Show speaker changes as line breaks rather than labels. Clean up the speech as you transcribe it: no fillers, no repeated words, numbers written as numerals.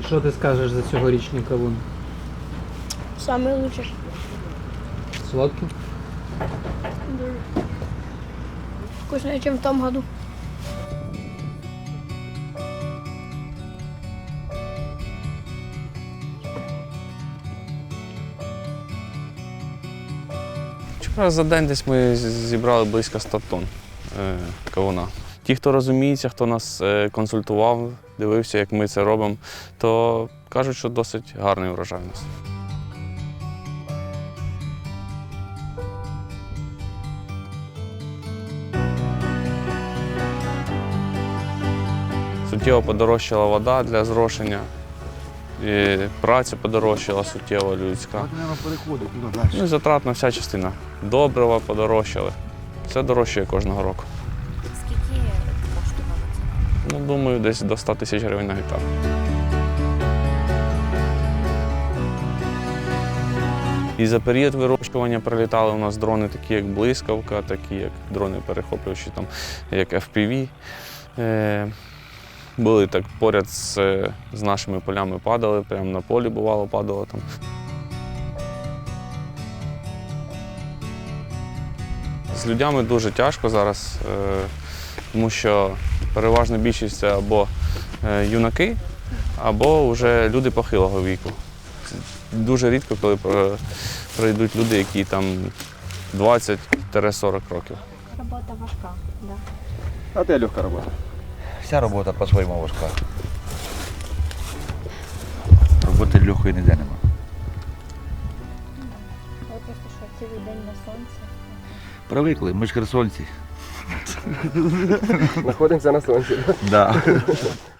Що ти скажеш за цьогорічний кавун?
Самый лучший.
Солодкий?
Вкуснее, чем в том году.
Вчора за день десь ми зібрали близько 100 тонн кавуна. Ті, хто розуміється, хто нас консультував, дивився, як ми це робимо, то кажуть, що досить гарний урожай у нас. Суттєво подорожчала вода для зрошення, і праця подорожчала суттєво людська. Ну і затратна вся частина. Добрива подорожчали. Все дорожчає кожного року.
Скільки коштувало це?
Ну, думаю, десь до 100 тисяч гривень на гектар. І за період вирощування прилітали у нас дрони, такі як блискавка, такі як дрони перехоплюючі, там, як FPV. Були так поряд з нашими полями падали, прямо на полі бувало падало там. З людьми дуже тяжко зараз, тому що переважна більшість це або юнаки, або вже люди похилого віку. Дуже рідко, коли прийдуть люди, які там 20-40 років.
Робота важка, да.
А те легка робота.
Вся робота по-своєму важка. Роботи легкої ніде нема.
Ви просто що, цілий день на сонці?
Привикли, ми ж херсонці.
Знаходимося на сонці.
Да.